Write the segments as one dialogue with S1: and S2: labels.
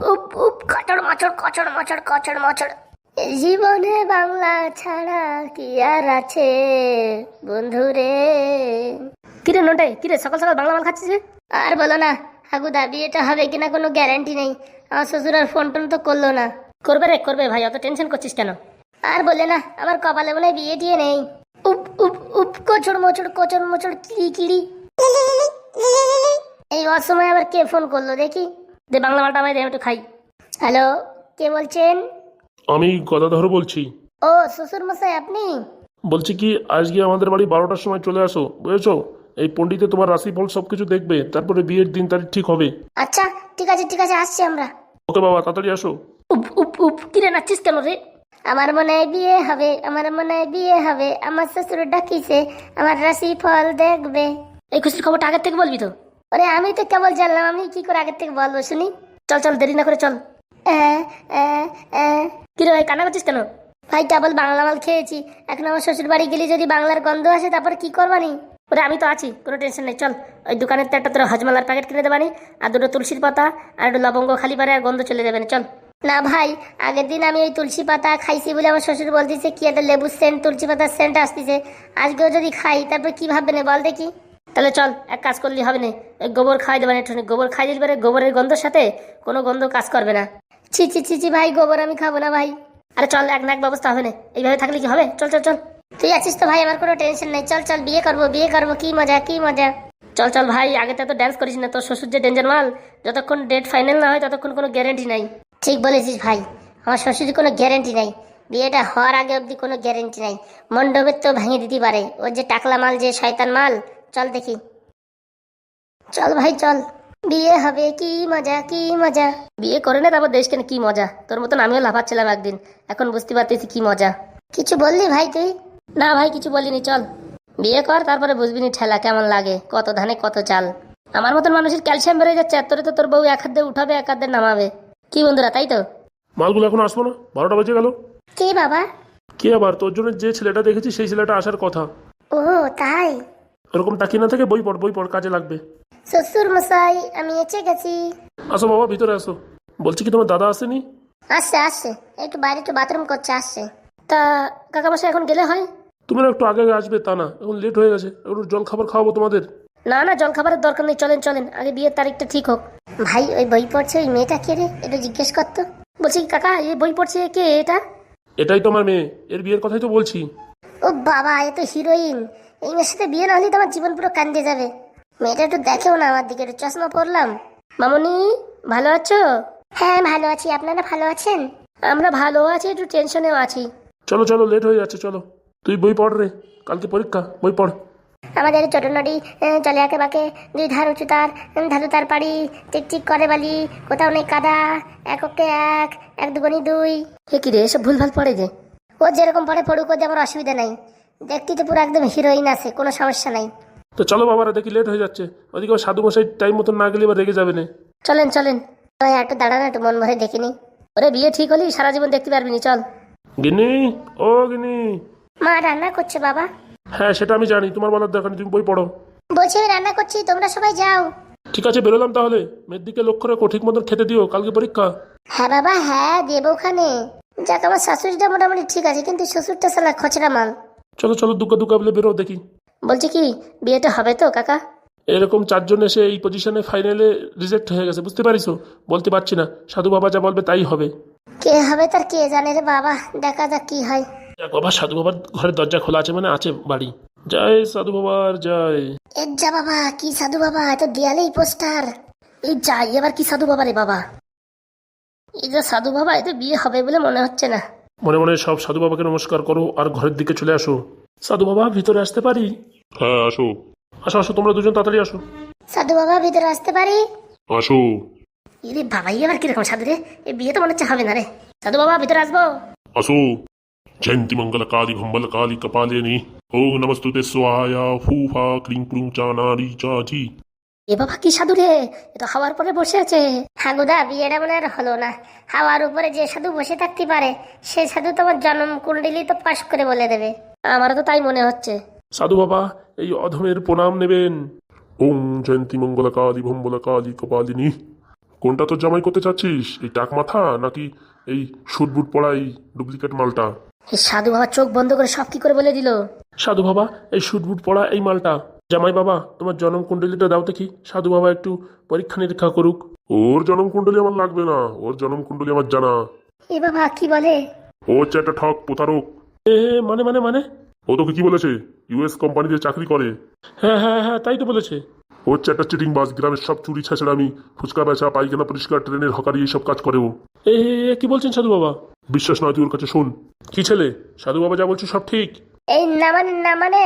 S1: উপ উপ কচড় মচড় কচড় মচড় কচড় মচড়। জীবনে বাংলা ছাড়া কি আর আছে বন্ধুরে। কিরে নোটে, কিরে সকাল সকাল বাংলা মাল খাচ্ছিস? আর বলো না হাগুদা, বিয়েটা হবে কিনা কোনো গ্যারান্টি নেই। আমার শ্বশুর আর ফোন টোন তো করলো না। করবে রে করবে ভাই, অত টেনশন করছিস কেন? আর বলে না, আমার কপালে মনে হয় বিয়ে টিয়ে নেই। উপ উপ উপ কচড় মচড় কচড় মচড় কিড়ি কিড়ি। এই অসময় আবার কে ফোন করলো দেখি, দে বাংলা মালটা আমায় দে, একটু খাই। হ্যালো, কে বলছেন?
S2: আমি গদাধর বলছি।
S1: ও শ্বশুর মশাই আপনি?
S2: বলছি কি, আজকে আমাদের বাড়ি 12টার সময় চলে আসো, বুঝেছো? এই পণ্ডিতে তোমার রাশিফল সবকিছু দেখবে, তারপরে বিয়ের দিন তারিখ ঠিক হবে।
S1: আচ্ছা ঠিক আছে ঠিক আছে, আসছি আমরা।
S2: ওকে বাবা, তাড়াতাড়ি আসো।
S1: উপ উপ উপ, কিরে নাচছিস কেন রে? আমার মনে হয় বিয়ে হবে, আমার মনে হয় বিয়ে হবে, আমার শ্বশুর ডাকিছে আমার রাশি ফল দেখবে। এই খুশির খবরটা আগের থেকে বলবি তো? ওরে আমি তো কেবল জানলাম, আমি কি করে আগের থেকে বলবো শুনি। চল চল, দেরি না করে চল। কিরে ভাই কান্না করছিস কেন? ভাই ডাবল বাংলা মাল খেয়েছি, এখন আমার শ্বশুর বাড়ি গেলে যদি বাংলার গন্ধ আসে তারপর কি করবানি? ওরে আমি তো আছি, কোনো টেনশন নেই। চল ওই দোকানের তো একটা তোর হজমালার প্যাকেট কিনে দেবানি, আর দুটো তুলসীর পাতা আর একটু লবঙ্গ খালি পারে, আর গন্ধ চলে যাবে না। চল। না ভাই, আগের দিন আমি ওই তুলসী পাতা খাইছি বলে আমার শ্বশুর বলতেছে কি একটা লেবুর সেন্ট, তুলসী পাতার সেন্ট আসতেছে। আজকেও যদি খাই তারপর কি ভাববে না বল দেখি? তাহলে চল, এক কাজ করলে হবে না, ওই গোবর খাই দেবেন একটু, গোবর খাই দিলে গোবরের গন্ধের সাথে কোনো গন্ধ কাজ করবে না। ছি ছি ছি ছি ভাই, গোবর আমি খাবো না ভাই। আরে চল, এক না এক ব্যবস্থা হবে না, এইভাবে থাকলে কি হবে? চল চল চল। তুই আছিস তো ভাই, আমার কোনো টেনশন নেই। চল চল, বিয়ে করবো বিয়ে করবো, কি মজা কি মজা। চল চল ভাই, আগে তো ড্যান্স করিস না, তোর শ্বশুর যে ডেঞ্জার মাল, যতক্ষণ ডেট ফাইনাল না হয় ততক্ষণ কোনো গ্যারেন্টি নাই। ঠিক বলেছিস ভাই, আমার শ্বশুরের কোনো গ্যারেন্টি নাই, বিয়েটা হওয়ার আগে অবধি কোনো গ্যারেন্টি নাই। মণ্ডপের তো ভেঙে দিতে পারে, ওর যে টাকলা মাল, যে শয়তান মাল। চল দেখি, চল ভাই চল। বিয়ে হবে কি মজা কি মজা। বিয়ে করে না তারপর দেশ কেন কি মজা, তোর মতন আমিও লাফাচ্ছিলাম একদিন, এখন বুঝতে পারতেছি কি মজা। কিছু বললি ভাই তুই? না ভাই কিছু বলিনি, চল বিয়ে কর, তারপরে বুঝবিনি ঠেলা কেমন লাগে, কত ধানে কত চাল। আমার মতন মানুষের ক্যালসিয়াম বেড়ে যাচ্ছে, আর তোরে তো তোর বউ এক হাত দিয়ে উঠাবে এক হাত দিয়ে নামাবে। কি বন্ধুরা, তাই তো?
S2: মালগুলো এখন আসবো না, 12টা বেজে গেল।
S1: কে বাবা?
S2: কে আবার? তোর জন্য যে ছেলেটা দেখেছি সেই ছেলেটা আসার কথা।
S1: ও তাই?
S2: ওরকম তাকিয়ে না থেকে বই পড়, বই পড়, কাজে লাগবে।
S1: শ্বশুর মশাই আমি এসে গেছি।
S2: আসো বাবা, ভিতরে আসো। বলছি কি, তোমার দাদা আসেনি?
S1: আসছে আসছে, একটু বাইরে একটু বাথরুম করছে, আসছে। তা কাকামশাই এখন গেলে হয়?
S2: তুমি একটু আগে আগে আসবে, তা না এখন লেট হয়ে গেছে, একটু জল খাবার খাওয়াবো তোমাদের।
S1: না না, জল খাবারের দরকার নেই, চলেন চলেন, আগে বিয়ের তারিখটা ঠিক হোক। ভাই ওই বই পড়ছে ওই মেয়েটা কে রে, একটু জিজ্ঞেস করতো। বলছি কাকা, এই বই পড়ছে কে এটা?
S2: এটাই তোমার মেয়ে, এর বিয়ের কথাই তো বলছি।
S1: ও বাবা, এ তো হিরোইন। এই মেয়ের সাথে বিয়ে না হলে তো আমার জীবন পুরো কান্দে যাবে। মেয়েটা একটু দেখেও না আমার দিকে, একটু চশমা পরলাম। মামনি ভালো আছো? হ্যাঁ ভালো আছি, আপনারা ভালো আছেন? আমরা ভালো আছি, একটু টেনশনেও আছি।
S2: চলো চলো, লেট হয়ে যাচ্ছে, চলো। তুই বই পড় রে, কালকে পরীক্ষা, বই পড়।
S1: আমাদের ছোট নদী চলে আঁকে বাঁকে, দুই ধার উঁচু তার, ধাতু তার পাড়ি, টিকটিক করে বালি, কোথাও নেই কাদা, এক ওকে এক, এক দুগুনি দুই। হে কি রে, এসব ভুলভাল পড়ে যে। ও যেরকম পড়ে পড়ুক, ওতে আমার অসুবিধা নাই। দেখতে তো পুরো একদম হিরোইন আছে, কোনো সমস্যা নাই।
S2: তো চলো বাবারা, দেখি লেট হয়ে যাচ্ছে, ওদিকে আবার সাধু মশাই টাইম মতন না গেলে এবার রেগে যাবে না।
S1: চলেন চলেন, ওই একটু দাঁড়ান, একটু মন ভরে দেখিনি। ওরে বিয়ে ঠিক হলেই সারা জীবন দেখতে পারবি নি, চল।
S2: গিন্নি, ও গিন্নি।
S1: মা রান্না করছে বাবা।
S2: হ্যাঁ সেটা আমি জানি, তোমার বলার দরকার নেই, তুমি বই পড়ো।
S1: বলছি আমি রান্না করছি, তোমরা সবাই যাও।
S2: ঠিক আছে, বেরোলাম তাহলে। মেয়ের দিকে লক্ষ্য রেখো, ঠিক মতন খেতে দিও, কালকে পরীক্ষা।
S1: হ্যাঁ বাবা হ্যাঁ, দেবো ওখানে। যাক আমার শাশুড়িটা মোটামুটি ঠিক আছে, কিন্তু শ্বশুরটা সালা খচড়া মাল।
S2: চলো চলো, দুগ্গা দুগ্গা বলে বেরো দেখি।
S1: বলছি কি, বিয়েটা হবে তো কাকা?
S2: এরকম 4 জন এসে এই পজিশনে ফাইনালে রিজেক্ট হয়ে গেছে, বুঝতে পারিস? বলতে পারছি না, সাধু বাবা যা বলবে তাই হবে।
S1: কে হবে তার কে জানে রে বাবা, দেখা যাক কি হয়।
S2: যাক বাবা, সাধু বাবার ঘরের দরজা খোলা আছে মানে আছে বাড়ি। জয় সাধু বাবার জয়।
S1: এর যা বাবা, কি সাধু বাবা, এত দেয়ালেই পোস্টার। এই যাই, এবার কি সাধু বাবা রে বাবা, এই যে সাধু বাবা, এতে বিয়ে হবে বলে মনে হচ্ছে না।
S2: মনে মনে সব সাধু বাবাকে নমস্কার করো আর ঘরের দিকে চলে আসো। সাধু বাবা, ভিতরে আসতে পারি?
S3: হ্যাঁ আসো।
S2: আসো আসো, তোমরা দুজন তাড়াতাড়ি আসো।
S1: সাধু বাবা ভিতরে আসতে পারি?
S3: আসো।
S1: ইরে বাবা, এবার কিরকম সাধু রে, এই বিয়ে তো মনে হচ্ছে হবে না রে। সাধু বাবা ভিতরে আসবো?
S3: আসো। জয়ন্তী মঙ্গল কালী ভম্বল কালী কপালিনী ওম নমস্তুতে স্বায়া ফুফা ক্লিং ক্লুং চানারি চাচি।
S1: এ বাবা কি সাধু রে, এ তো হাওয়ার পরে বসে আছে। হাগুদা বিয়েটা মনে আর হলো না। হাওয়ার উপরে যে সাধু বসে থাকতে পারে, সে সাধু তোমার জন্ম কুণ্ডলি তো পাশ করে বলে দেবে। আমারও তো তাই মনে হচ্ছে।
S2: সাধু বাবা, এই অধমের প্রণাম নেবেন।
S3: ওম জয়ন্তী মঙ্গল কালী ভম্বল কালী কপালিনী কোনটা তোর জামাই করতে চাচ্ছিস, এই টাক মাথা নাকি এই সুটবুট পড়া এই ডুপ্লিকেট মালটা?
S1: এই সাধু বাবা চোখ বন্ধ করে সব কি করে বলে দিল।
S2: সাধু বাবা এই শুটবুট পড়া এই মালটা। জামাই বাবা তোমার জন্ম কুণ্ডলিটা দাও দেখি, সাধু বাবা একটু পরীক্ষা নিরীক্ষা করুক।
S3: ওর জনম কুণ্ডলী আমার লাগবে না, ওর জনম কুণ্ডলী আমার জানা।
S1: এ বাবা কি বলে?
S3: ও হচ্ছে একটা ঠক প্রতারক।
S2: এ মানে মানে মানে
S3: ও তোকে কি বলেছে? ইউএস কোম্পানিতে চাকরি করে।
S2: হ্যাঁ হ্যাঁ হ্যাঁ, তাই তো বলেছে।
S3: ও হচ্ছে একটা চিটিং বাস, গ্রামের সব চুরি ছেঁচড়ামি, ফুচকা বেচা, পায়খানা পরিষ্কার, ট্রেনের হকারি, এইসব কাজ করে ও।
S2: এ কি বলছেন সাধু বাবা?
S3: বিশ্বাস নয় তুই ওর কাছে শোন।
S2: কি ছেলে, সাধু বাবা যা বলছে সব ঠিক?
S1: এই না মানে না মানে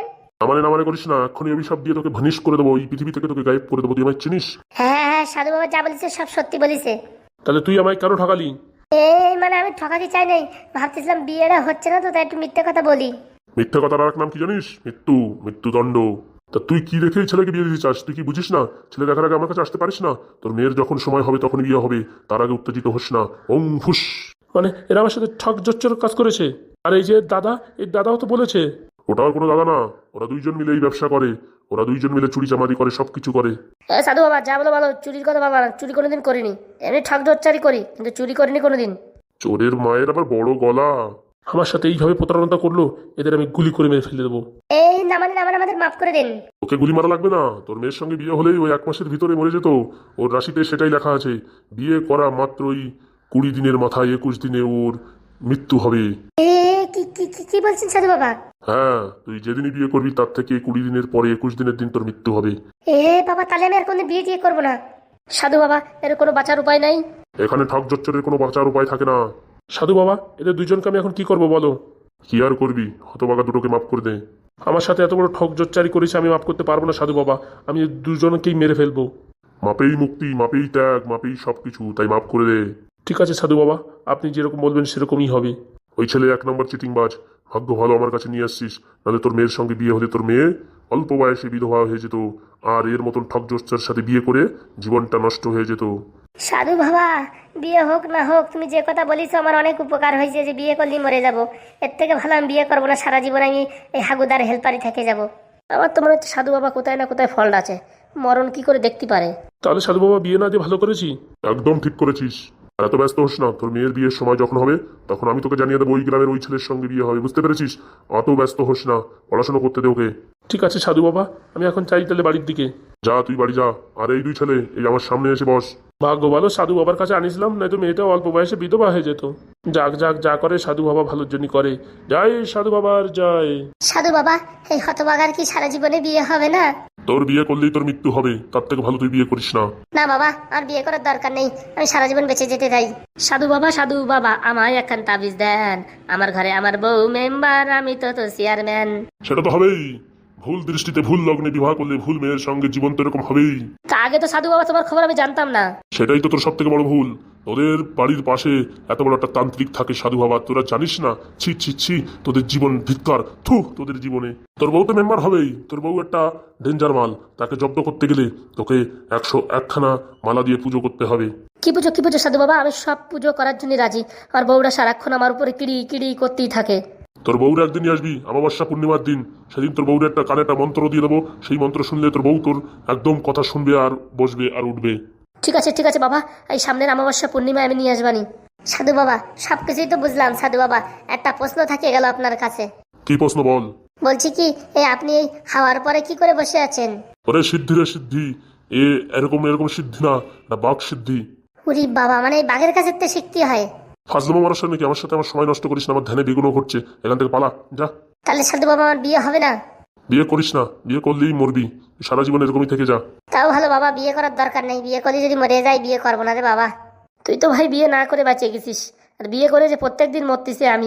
S3: না মানে করিস না, এক্ষুনি অভিশাপ দিয়ে তোকে ভানিশ করে দেবো, এই পৃথিবী থেকে তোকে গায়েব করে দেবো। তুই আমায় চিনিস?
S1: হ্যাঁ হ্যাঁ হ্যাঁ, সাধু বাবা যা বলেছে সব সত্যি বলেছে।
S2: তাহলে তুই আমায় কেন ঠকালি?
S1: এই মানে আমি ঠকাতে চাই নাই, ভাবতেছিলাম বিয়েটা হচ্ছে না তো তাই একটু মিথ্যে কথা বলি।
S3: মিথ্যা কথার আর এক নাম কি জানিস? মৃত্যু, মৃত্যুদণ্ড। তা তুই কি দেখে এই ছেলেকে বিয়ে দিতে চাস? তুই কি বুঝিস না? ছেলে দেখার আগে আমার কাছে আসতে পারিস না? তোর মেয়ের যখন সময় হবে তখন বিয়ে হবে, তার আগে উত্তেজিত হোস না। ওং ফুস।
S2: মানে এরা আমার সাথে ঠক জচ্চর কাজ করেছে। আর এই যে দাদা, এই দাদাও তো বলেছে।
S3: ওটা আর কোনো দাদা না, ওরা দুইজন মিলে এই ব্যবসা করে, ওরা দুইজন মিলে চুরি চামারি করে, সবকিছু করে।
S1: সাধু বাবা যা বলো বলো, চুরির কথা বাবা, চুরি কোনোদিন করিনি। এমনি ঠক ডচ্চারি করি কিন্তু চুরি করিনি কোনোদিন।
S3: চোরের মায়ের আবার বড় গলা।
S2: আমার সাথে এইভাবে প্রতারণা করলো, এদের আমি গুলি করে মেরে ফেলে দেবো।
S1: এই না মানে না মানে আমাদের মাফ করে দিন।
S3: ওকে গুলি মারা লাগবে না, তোর মেয়ের সঙ্গে বিয়ে হলেই ওই 1 মাসের ভিতরে মরে যেত। ওর রাশিতে সেটাই লেখা আছে, বিয়ে করা মাত্রই 20 দিনের মাথায় 21 দিনে ওর মৃত্যু হবে।
S1: এ কি কি কি কি বলছেন সাধু বাবা?
S3: হ্যাঁ, তুই যেদিনই বিয়ে করবি তার থেকে 20 দিনের পরে 21 দিনের দিন তোর মৃত্যু হবে।
S1: এ বাবা তাহলে আমি আর কোনো বিয়ে টিয়ে করবো না। সাধু বাবা এর কোনো বাঁচার উপায় নাই?
S3: এখানে ঠক জচ্চরের কোনো বাঁচার উপায় থাকে না।
S2: সাধু বাবা এদের দুজনকে আমি এখন কি করবো বলো?
S3: কি আর করবি, হতবাগা দুটোকে মাফ করে দে।
S2: আমার সাথে এত বড় ঠক জচ্চারি করেছে, আমি মাফ করতে পারবো না সাধু বাবা। আমি দুজনকেই মেরে ফেলবো।
S3: মাপেই মুক্তি, মাপেই ত্যাগ, মাপেই সবকিছু, তাই মাফ করে দে।
S2: ঠিক আছে সাধু বাবা, আপনি যেরকম বলবেন সেরকমই হবে।
S3: ওই ছেলে 1 নম্বর চিটিংবাজ। ভাগ্য ভালো আমার কাছে নিয়ে আসছিস, নাহলে তোর মেয়ের সঙ্গে বিয়ে হলে তোর মেয়ে অল্প বয়সে বিধবা হয়ে যেত, আর এর মতন ঠক জচ্চার সাথে বিয়ে করে জীবনটা নষ্ট হয়ে যেত।
S1: সাধু বাবা বিয়ে হোক না হোক, তুমি যে কথা বলিস আমার অনেক উপকার হয়েছে, যে বিয়ে করলেই মরে যাব। এর থেকে ভালো আমি বিয়ে করবো না, সারা জীবন আমি এই হাগুদার হেল্পারই থেকে যাব। আমার তো মনে হচ্ছে সাধু বাবা কোথায় না কোথায় ফল্ট আছে, মরণ কি করে দেখতে পারে।
S2: তাহলে সাধু বাবা বিয়ে না দিয়ে ভালো করেছি।
S3: একদম ঠিক করেছিস। আর এত ব্যস্ত হোস না, তোর মেয়ের বিয়ের সময় যখন হবে তখন আমি তোকে জানিয়ে দেবো ওই গ্রামের ওই ছেলের সঙ্গে বিয়ে হবে, বুঝতে পেরেছিস? অত ব্যস্ত হোস না, পড়াশোনা করতে দে ওকে।
S2: ঠিক আছে সাধু বাবা, আমি এখন চাই তাহলে বাড়ির দিকে।
S3: যা তুই বাড়ি যা, আর এই 2 ছেলে এই আমার সামনে এসে বস।
S2: ভাগ্য ভালো সাধু বাবার কাছে আনিছিলাম, নয়তো মেয়েটা অল্প বয়সে বিধবা হয়ে যেত। যাক যাক, যা করে সাধু বাবা ভালোর জন্য করে। জয় সাধু বাবার জয়।
S1: সাধু বাবা এই হতবাগার কি সারা জীবনে বিয়ে হবে না?
S3: তোর বিয়ে করলেই তোর মৃত্যু হবে, তার থেকে ভালো তুই বিয়ে করিস না।
S1: না বাবা আর বিয়ে করার দরকার নেই, আমি সারা জীবন বেঁচে যেতে চাই। সাধু বাবা আমায় একখান তাবিজ দেন, আমার ঘরে আমার বউ মেম্বার, আমি তো চেয়ারম্যান।
S3: সেটা তো হবেই, ভুল দৃষ্টিতে ভুল লগ্নে বিবাহ করলে ভুল মেয়ের সঙ্গে জীবন তো এরকম হবেই।
S1: তা আগে তো সাধু বাবা তোমার খবর আমি জানতাম না।
S3: সেটাই তো তোর সব থেকে বড় ভুল। তোদের বাড়ির পাশে এত বড় একটা তান্ত্রিক থাকে সাধু বাবা, তোরা জানিস না? ছি ছি ছি, তোদের জীবন ধিক্কার, থু তোদের জীবনে। তোর বউ তো মেম্বার হবেই, তোর বউ একটা ডেঞ্জার মাল, তাকে জব্দ করতে গেলে তোকে 101খানা মালা দিয়ে পুজো করতে হবে।
S1: কি পুজো সাধু বাবা? আমি সব পুজো করার জন্য রাজি, আর বউরা সারাক্ষণ আমার উপরে কিড়ি কিড়ি করতেই থাকে।
S3: তোর বউর একদিনই আসবি অমাবস্যা পূর্ণিমার দিন, সেদিন তোর বউর একটা কানে একটা মন্ত্র দিয়ে দেবো, সেই মন্ত্র শুনলে তোর বউ তোর একদম কথা শুনবে আর বসবে আর উঠবে।
S1: ঠিক আছে বাবা, এই সামনের অমাবস্যা পূর্ণিমা আমি নিয়ে আসবানি। সাধু বাবা সবকিছুই তো বুঝলাম সাধু বাবা, একটা প্রশ্ন থাকে গেল আপনার কাছে।
S3: কি প্রশ্ন বল?
S1: বলছি কি এই আপনি এই খাওয়ার পরে কি করে বসে আছেন?
S3: ওরে সিদ্ধি রে সিদ্ধি, এরকম এরকম সিদ্ধি না, এটা বাঘ সিদ্ধি।
S1: উরি বাবা, মানে এই বাঘের কাছে তো শিখতে হয়?
S3: ফাজলামো মারার সামনে কি আমার সাথে আমার সময় নষ্ট করিস না, আমার ধ্যানে বিঘ্ন ঘটছে, এখান থেকে পালা যা।
S1: তাহলে সাধু বাবা আমার বিয়ে হবে না?
S3: বিয়ে করিস না, বিয়ে করলেই মরবি, সারা জীবন এরকমই থেকে যা।
S1: তাও ভালো বাবা, বিয়ে করার দরকার নেই, বিয়ে করলে যদি মরে যায় বিয়ে করবো না রে বাবা। তুই তো ভাই বিয়ে না করে বাঁচিয়ে গেছিস, আর বিয়ে করে যে প্রত্যেকদিন মরতেছে আমি।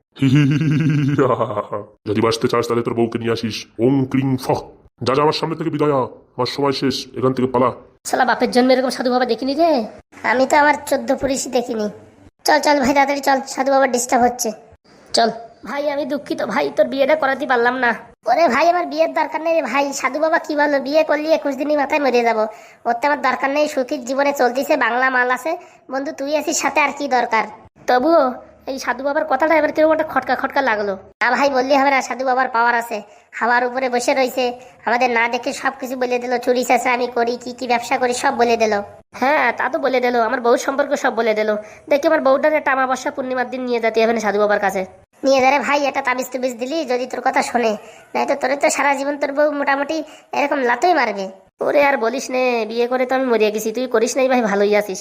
S3: যদি বাঁচতে চাস তাহলে তোর বউকে নিয়ে আসিস। ওং ক্রিং ফ। যা যা আমার সামনে থেকে বিদায় হ, আমার সময় শেষ, এখান থেকে পালা।
S1: শালা বাপের জন্ম এরকম সাধু বাবা দেখিনি রে, আমি তো আমার 14 পুলিশই দেখিনি। চল ভাই তাড়াতাড়ি চল, সাধু বাবার ডিস্টার্ব হচ্ছে। চল ভাই, আমি দুঃখিত ভাই, তোর বিয়েটা করাতে পারলাম না। ওরে ভাই আমার বিয়ের দরকার নেই রে ভাই, সাধু বাবা কি বলো, বিয়ে করলি 21 দিনই মাথায় মরে যাবো, ওর তো আমার দরকার নেই, সুখীর জীবনে চলতেছে, বাংলা মাল আছে, বন্ধু তুই আছিস সাথে, আর কি দরকার। তবুও এই সাধু বাবার কথাটা এবার কিরকম একটা খটকা খটকা লাগলো। না ভাই বললি হবে না, সাধু বাবার পাওয়ার আছে, হাওয়ার উপরে বসে রয়েছে, আমাদের না দেখে সবকিছু বলে দিল, চুরি চাষা আমি করি, কি কি ব্যবসা করি সব বলে দিল। হ্যাঁ তা তো বলে দিল, আমার বউ সম্পর্ক সব বলে দিল। দেখি আমার বউটার একটা অমাবস্যা পূর্ণিমার দিন নিয়ে যেতে হবে না সাধু বাবার কাছে। নিয়ে যারে ভাই, একটা তাবিজ তুবিজ দিলি যদি তোর কথা শোনে, নাই তো তোরে তো সারা জীবন তোর বউ মোটামুটি এরকম লাতই মারবে। ওরে আর বলিস নে, বিয়ে করে তো আমি মরিয়া গেছি, তুই করিস নাই ভাই, ভালোই আছিস।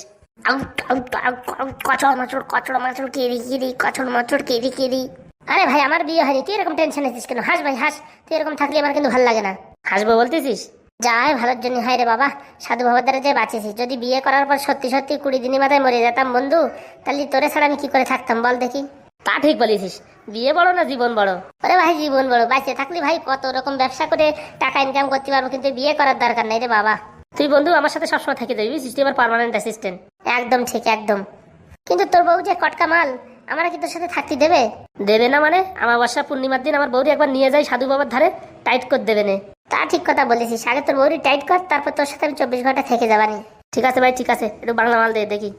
S1: কচড় মাচড় কেরি কেরি, কচড় মাচড় কেরি কেরি। আরে ভাই আমার বিয়ে হয়নি, তুই এরকম টেনশন আছিস কেন? হাস ভাই হাস, তুই এরকম থাকলে আমার কিন্তু ভালো লাগে না। হাসবো বলতেছিস? যাই ভালোর জন্য হয় রে বাবা, সাধু বাবার দ্বারা যে বাঁচেছি। যদি বিয়ে করার পর সত্যি সত্যি 20 দিনের মাথায় মরে যেতাম বন্ধু, তাহলে তোরে ছাড়া আমি কি করে থাকতাম বল দেখি? তা ঠিক বলেছিস, বিয়ে বড় না জীবন বড়? আরে ভাই জীবন বড়, বাঁচে থাকলে ভাই কত রকম ব্যবসা করে টাকা ইনকাম করতে পারবো, কিন্তু বিয়ে করার দরকার নাই রে বাবা। তুই বন্ধু আমার সাথে সবসময় থেকে যাবি, তুই আমার পার্মানেন্ট অ্যাসিস্ট্যান্ট। একদম ঠিক একদম। কিন্তু তোর বউ যে কটকা মাল, আমরা কি তোর সাথে থাকতে দেবে? দেবে না মানে? অমাবস্যা পূর্ণিমার দিন আমার বউরি একবার নিয়ে যাই সাধু বাবার ধারে, টাইট করে দেবে না? তা ঠিক কথা বলেছিস, আগে তোর বউরি টাইট কর, তারপর তোর সাথে আমি 24 ঘন্টা থেকে যাবানি। ঠিক আছে ভাই ঠিক আছে, একটু বাংলা মাল দিয়ে দেখি।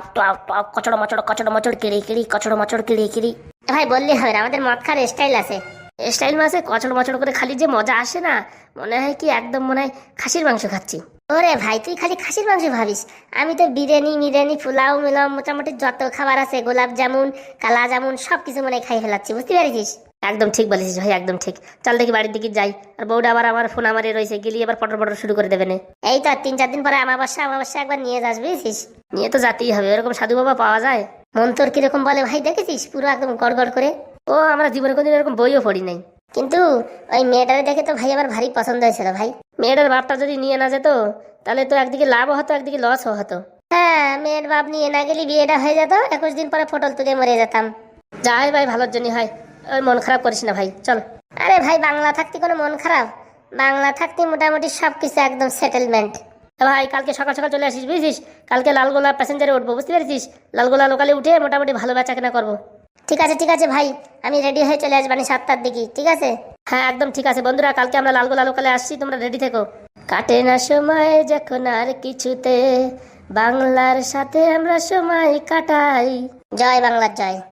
S1: কচড় মচড় কিড়ি কিড়ি, কচড় মচড় কিড়ি কিড়ি। ভাই বললি হবে না, আমাদের মদ খাওয়ার স্টাইল আছে। স্টাইল মাসে কচড় মচড় করে খালি যে মজা আসে না, মনে হয় কি একদম মনে হয় খাসির মাংস খাচ্ছি। ওরে ভাই তুই খালি খাসির মাংস ভাবিস, আমি তো বিরিয়ানি পোলাও মিলাও মোটামুটি যত খাবার আছে, গোলাপ জামুন কালা জামুন সবকিছু মনে হয় খাই ফেলাচ্ছি, বুঝতে পারিস? একদম ঠিক বলেছিস ভাই, একদম ঠিক। চল দেখি বাড়ির দিকে যাই, আর বউটা আবার আমার ফোন আমারে রয়েছে, গেলি আবার পটর পটর শুরু করে দেবে না। এই তো 3-4 দিন পরে অমাবস্যা একবার নিয়ে যাস, বুঝেছিস? নিয়ে তো যেতেই হবে, এরকম সাধু বাবা পাওয়া যায়? মন তোর কিরকম বলে ভাই দেখেছিস, পুরো একদম গড় করে। ও আমরা জীবনে কোনদিন এরকম বইও পড়ি নাই, কিন্তু ওই মেয়েটারে দেখে তো ভাই আমার ভারী পছন্দ হয়েছিল ভাই। মেয়েটার বাপটা যদি নিয়ে না যেত, তাহলে তো একদিকে লাভও হতো একদিকে লসও হতো। হ্যাঁ মেয়ের বাপ নিয়ে না গেলে বিয়েটা হয়ে যেত, 21 দিন পরে ফটল তুলে মরে যেতাম। যাই ভাই ভালোর জন্য হয়, ওই মন খারাপ করিস না ভাই, চল। আরে ভাই বাংলা থাকতে কোনো মন খারাপ? বাংলা থাকতে মোটামুটি সবকিছু একদম সেটেলমেন্ট। ভাই কালকে সকাল সকাল চলে আসিস, বুঝছিস? কালকে লালগোলা প্যাসেঞ্জারে উঠবো, বুঝতে পেরেছিস? লালগোলা লোকালে উঠে মোটামুটি ভালো বেচা কেনা করবো। ঠিক আছে ভাই, আমি রেডি হয়ে চলে আসবানি 7টার দিকে, ঠিক আছে? হ্যাঁ একদম ঠিক আছে বন্ধুরা, কালকে আমরা লালগোলা লোকালে আসছি, তোমরা রেডি থেকো। কাটে না সময় যখন আর কিছুতে, বাংলার সাথে আমরা সময় কাটাই। জয় বাংলার জয়।